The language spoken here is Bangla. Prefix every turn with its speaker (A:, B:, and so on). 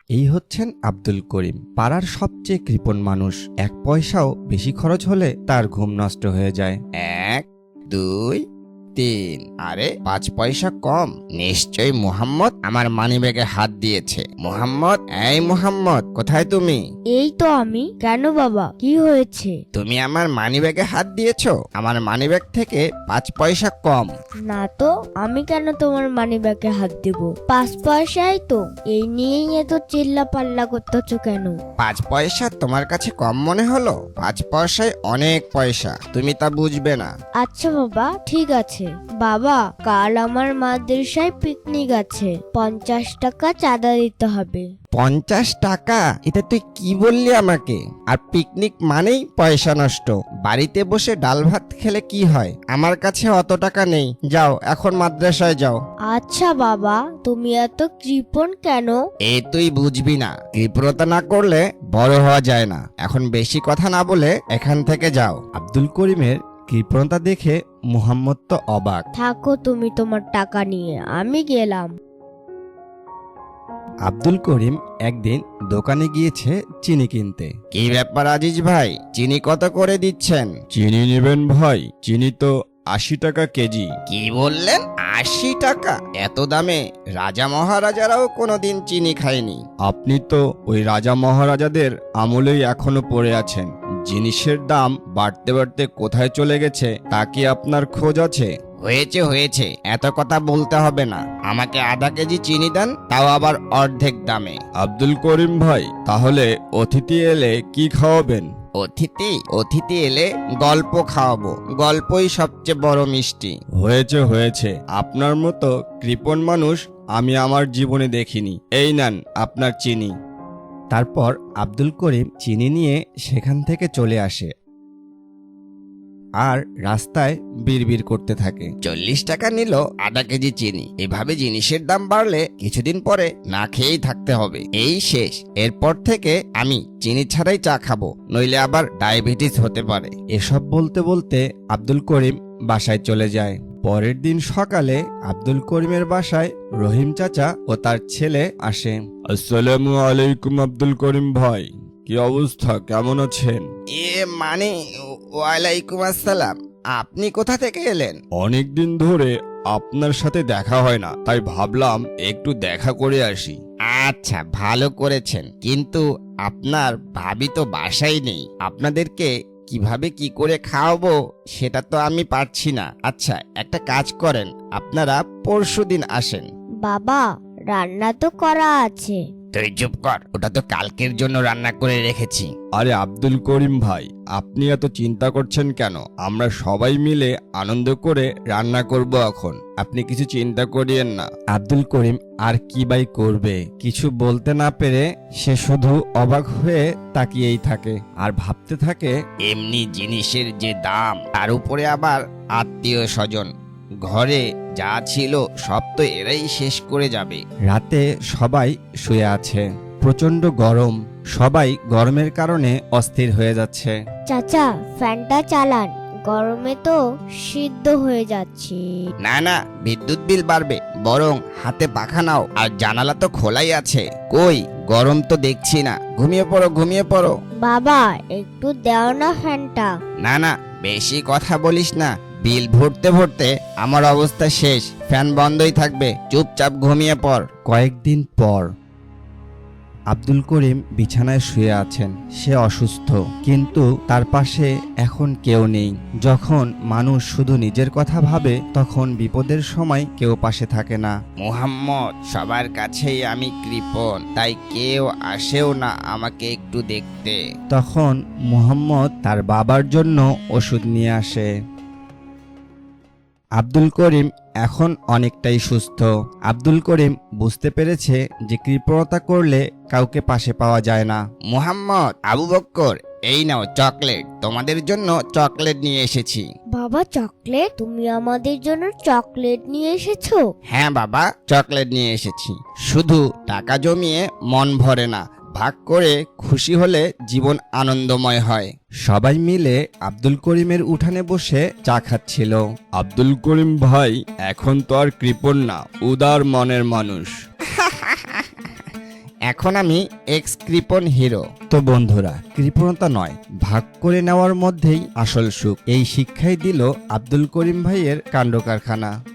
A: এই হচ্ছেন আব্দুল করিম, পাড়ার সবচেয়ে কৃপণ মানুষ। 1 পয়সাও বেশি খরচ হলে তার ঘুম নষ্ট হয়ে যায়।
B: 1 2 3, আরে 5 পয়সা কম। নিশ্চয়ই মুহাম্মদ আমার মানিব্যাগে হাত দিয়েছে। মুহাম্মদ, এই মুহাম্মদ, কোথায় তুমি?
C: এই তো আমি। কেন বাবা, কি হয়েছে?
B: তুমি আমার মানিব্যাগে হাত দিয়েছো। আমার মানিব্যাগ থেকে 5 পয়সা কম।
C: না তো, আমি কেন তোমার মানিব্যাগে হাত দেব? 5 পয়সাই তো। এই নিয়েই এত চিল্লা পাল্লা করতেছো কেন?
B: 5 পয়সা তোমার কাছে কম মনে হলো? 5 পয়সায় অনেক পয়সা, তুমি তা বুঝবে না।
C: আচ্ছা বাবা, ঠিক আছে। বাবা, কাল আমার মাদ্রাসায় পিকনিক আছে, 50 টাকা চাঁদা দিতে হবে।
B: 50 টাকা? এটা তুই কি বললি আমাকে? আর পিকনিক মানেই পয়সা নষ্ট। বাড়িতে বসে ডাল ভাত খেলে কি হয়? আমার কাছে অত টাকা নেই। যাও, এখন মাদ্রাসায় যাও।
C: আচ্ছা বাবা, তুমি এত কৃপণ কেন?
B: এ তুই বুঝবি না। কৃপণতা না করলে বড় হওয়া যায় না। এখন বেশি কথা না বলে এখান থেকে যাও।
A: আব্দুল করিমের কৃপণতা দেখে মুহাম্মদ তো অবাক।
C: থাকো তুমি তোমার টাকা নিয়ে, আমি গেলাম।
A: আব্দুল করিম একদিন দোকানে গিয়েছে চিনি কিনতে।
B: কি ব্যাপার আজিজ ভাই, চিনি কত করে দিচ্ছেন?
A: চিনি নেবেন ভাই? চিনি তো 80 টাকা কেজি।
B: কি বললেন? 80 টাকা? এত দামে রাজা মহারাজারাও কোনোদিন চিনি খায়নি।
A: আপনি তো ওই রাজা মহারাজাদের আমলেই এখনো পড়ে আছেন। জিনিসের দাম বাড়তে বাড়তে কোথায় চলে গেছে তা কি আপনার খোঁজ আছে?
B: হয়েছে হয়েছে, এত কথা বলতে হবে না। আমাকে আধা কেজি চিনি দেন, তাও আবার অর্ধেক দামে।
A: আব্দুল করিম ভাই, তাহলে অতিথি এলে কি খাওয়াবেন?
B: অতিথি? অতিথি এলে গল্প খাওয়াবো। গল্পই সবচেয়ে বড় মিষ্টি।
A: হয়েছে হয়েছে, আপনার মতো কৃপণ মানুষ আমি আমার জীবনে দেখিনি। এই নেন আপনার চিনি। তারপর আব্দুল করিম চিনি নিয়ে সেখান থেকে চলে আসে আর রাস্তায় বিড়বিড় করতে থাকে।
B: 40 টাকা নিল আধা কেজি চিনি। এভাবে জিনিসের দাম বাড়লে কিছুদিন পরে না খেয়েই থাকতে হবে। এই শেষ। এরপর থেকে আমি চিনি ছাড়াই চা খাবো, নইলে আবার ডায়াবেটিস হতে পারে।
A: এসব বলতে বলতে আব্দুল করিম বাসায় চলে যায়। পরের দিন সকালে আব্দুল করিমের বাসায় রহিম চাচা ও তার ছেলে আসে। আসসালামু আলাইকুম আব্দুল করিম ভাই, কি অবস্থা, কেমন আছেন?
B: মানে, ওয়ালাইকুম আসসালাম। আপনি কোথা থেকে এলেন?
A: অনেকদিন ধরে আপনার সাথে দেখা হয় না, তাই ভাবলাম একটু দেখা করে আসি।
B: আচ্ছা, ভালো করেছেন। কিন্তু আপনার ভাবি তো বাসায় নেই। আপনাদেরকে কিভাবে কি করে খাওয়াবো সেটা তো আমি পারছি না। আচ্ছা, একটা কাজ করেন, আপনারা পরশুদিন আসেন।
C: বাবা, রান্না তো করা আছে।
B: তুই চুপ কর, ওটা তো কালকের জন্য রান্না করে রেখেছি।
A: আরে আব্দুল করিম ভাই, আপনি এত চিন্তা করছেন কেন? আমরা সবাই মিলে আনন্দ করে রান্না করব এখন। আপনি কিছু চিন্তা করিয়েন না। আব্দুল করিম আর কি বাই করবে? কিছু বলতে না পেরে সে শুধু অবাক হয়ে তাকিয়েই থাকে আর ভাবতে থাকে,
B: এমনি জিনিসের যে দাম, তার উপরে আবার আত্মীয় স্বজন। ঘরে যা ছিল সব তো এরাই শেষ করে যাবে।
A: রাতে সবাই শুয়ে আছে, প্রচন্ড গরম, সবাই গরমের কারণে অস্থির হয়ে যাচ্ছে।
C: চাচা, ফ্যানটা চালান, গরমে তো সিদ্ধ হয়ে যাচ্ছে।
B: না না, বিদ্যুৎ বিল বাড়বে। বরং হাতে পাখা নাও, আর জানালা তো খোলাই আছে। কই, গরম তো দেখছি না। ঘুমিয়ে পড়ো, ঘুমিয়ে পড়ো।
C: বাবা, একটু দাও না ফ্যানটা।
B: না না, বেশি কথা বলিস না। বিল ভরতে ভরতে আমার অবস্থা শেষ। ফ্যান বন্ধই থাকবে, চুপচাপ ঘুমিয়ে পড়।
A: কয়েকদিন পর আব্দুল করিম বিছানায় শুয়ে আছেন। সে অসুস্থ, কিন্তু তার পাশে এখন কেউ নেই। যখন মানুষ শুধু নিজের কথা ভাবে, তখন বিপদের সময় কেউ পাশে থাকে না।
B: মুহাম্মদ, সবার কাছেই আমি কৃপণ, তাই কেউ আসেও না আমাকে একটু দেখতে।
A: তখন মুহাম্মদ তার বাবার জন্য ওষুধ নিয়ে আসে। আব্দুল করিম এখন অনেকটাই সুস্থ। আব্দুল করিম বুঝতে পেরেছে যে কৃপণতা করলে কাউকে পাশে পাওয়া যায় না।
B: মুহাম্মদ, আবু বক্কর, এই নাও চকলেট। তোমাদের জন্য চকলেট নিয়ে এসেছি।
C: বাবা, চকলেট? তুমি আমাদের জন্য চকলেট নিয়ে এসেছো?
B: হ্যাঁ বাবা, চকলেট নিয়ে এসেছি। শুধু টাকা জমিয়ে মন ভরে না, ভাগ করে খুশি হলে জীবন আনন্দময় হয়।
A: সবাই মিলে আব্দুল করিমের উঠানে বসে চা খাচ্ছিল। আব্দুল করিম ভাই এখন তো আর কৃপণ না, উদার মনের মানুষ।
B: এখন আমি এক্স কৃপণ হিরো।
A: তো বন্ধুরা, কৃপণতা নয়, ভাগ করে নেওয়ার মধ্যেই আসল সুখ। এই শিক্ষাই দিল আব্দুল করিম ভাইয়ের কাণ্ড কারখানা।